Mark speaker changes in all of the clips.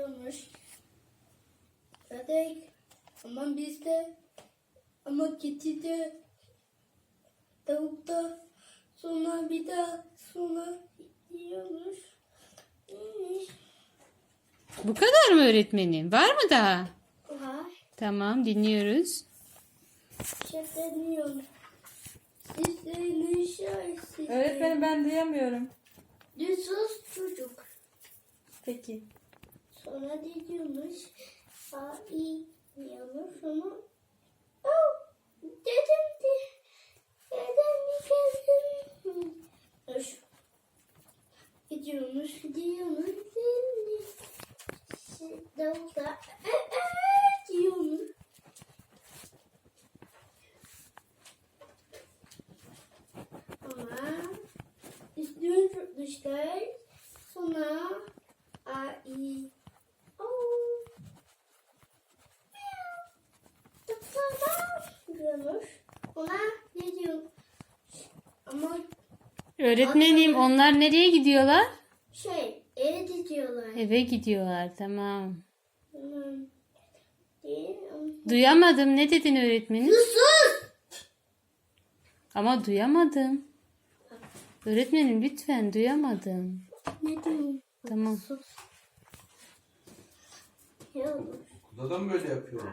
Speaker 1: gidiyormuş. Ördek. Ama bizde. Ama kedi de. Tavuk da. Sonra bir daha. Sonra gidiyormuş.
Speaker 2: Bu kadar mı öğretmenim? Var mı daha?
Speaker 1: Var.
Speaker 2: Tamam, dinliyoruz.
Speaker 1: Şefleniyorum. Sizlerin şahisi.
Speaker 3: Öğretmenim ben duyamıyorum.
Speaker 1: Düzsüz çocuk.
Speaker 3: Peki.
Speaker 1: Sonra diyormuş. Ay diyormuş sonra. Oh, dedim de. Dedem geldim. Hoş. Gidiyormuş. Davulda. Diyormuş. Ama üstünü tutmuşlar. Sonra ay. Oh. Diyormuş. Ona ne diyor? Ama
Speaker 2: Öğretmenim, onlar nereye gidiyorlar?
Speaker 1: eve gidiyorlar.
Speaker 2: Eve gidiyorlar, tamam.
Speaker 1: Değil.
Speaker 2: Duyamadım. Ne dedin öğretmenim?
Speaker 1: Sus!
Speaker 2: Ama duyamadım. Öğretmenim lütfen, duyamadım.
Speaker 1: Ne diyorsun?
Speaker 2: Tamam.
Speaker 1: Sus. Ya,
Speaker 4: Okulda da mı böyle yapıyorlar?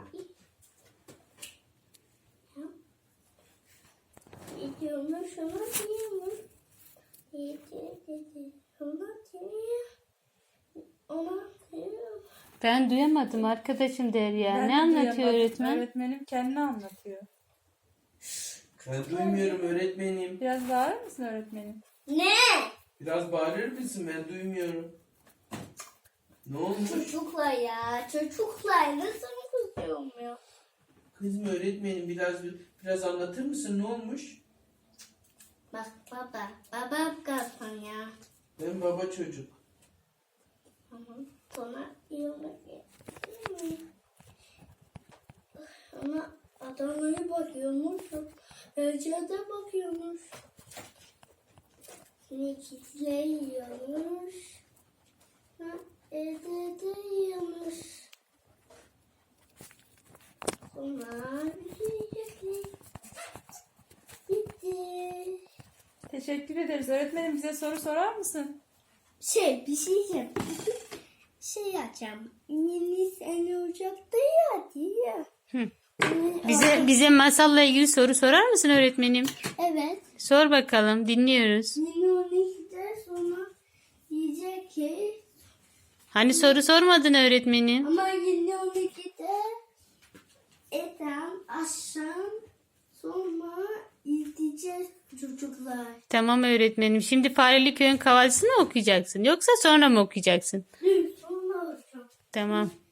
Speaker 1: gidiyormuş ama diyormuş. Dedi. Ama diyor. Ona diyor.
Speaker 2: Ben duyamadım arkadaşım Derya.
Speaker 3: Ben
Speaker 2: Ne
Speaker 3: de
Speaker 2: anlatıyor
Speaker 3: duyamadım.
Speaker 2: öğretmen?
Speaker 3: Öğretmenim kendini anlatıyor.
Speaker 4: Ben duymuyorum öğretmenim.
Speaker 3: Biraz bağırır mısın öğretmenim?
Speaker 1: Ne?
Speaker 4: Biraz bağırır mısın? Ben duymuyorum. Ne olmuş?
Speaker 1: Çocuklar ya. Çocuklar nasıl kızıyorum ya?
Speaker 4: Kızım öğretmenim biraz anlatır mısın? Ne olmuş?
Speaker 1: Bak baba. Baba kalsın ya.
Speaker 4: Ben baba çocuk.
Speaker 1: Sonra yemek ama adamlara bakıyormuş. Pencerede bakıyormuş. Nekitler yiyormuş. Evde de yiyormuş. Sonra yiyecekler. Bitti.
Speaker 3: Teşekkür ederiz. Öğretmenim bize soru sorar mısın?
Speaker 1: Bir şey diyeceğim. Şey açacağım. Yeni sene Ocak'ta ya diye.
Speaker 2: Hı. Bize masalla ilgili soru sorar mısın öğretmenim?
Speaker 1: Evet.
Speaker 2: Sor bakalım, dinliyoruz.
Speaker 1: Yeni 12'de sonra yiyecek ki.
Speaker 2: Hani soru sormadın öğretmenim?
Speaker 1: Ama yeni 12'de eten akşam sonra izleyeceğiz çocuklar.
Speaker 2: Tamam öğretmenim. Şimdi Fareli Köy'ün kahvaltısını mı okuyacaksın? Yoksa sonra mı okuyacaksın?
Speaker 1: Dün sonra olacak.
Speaker 2: Tamam.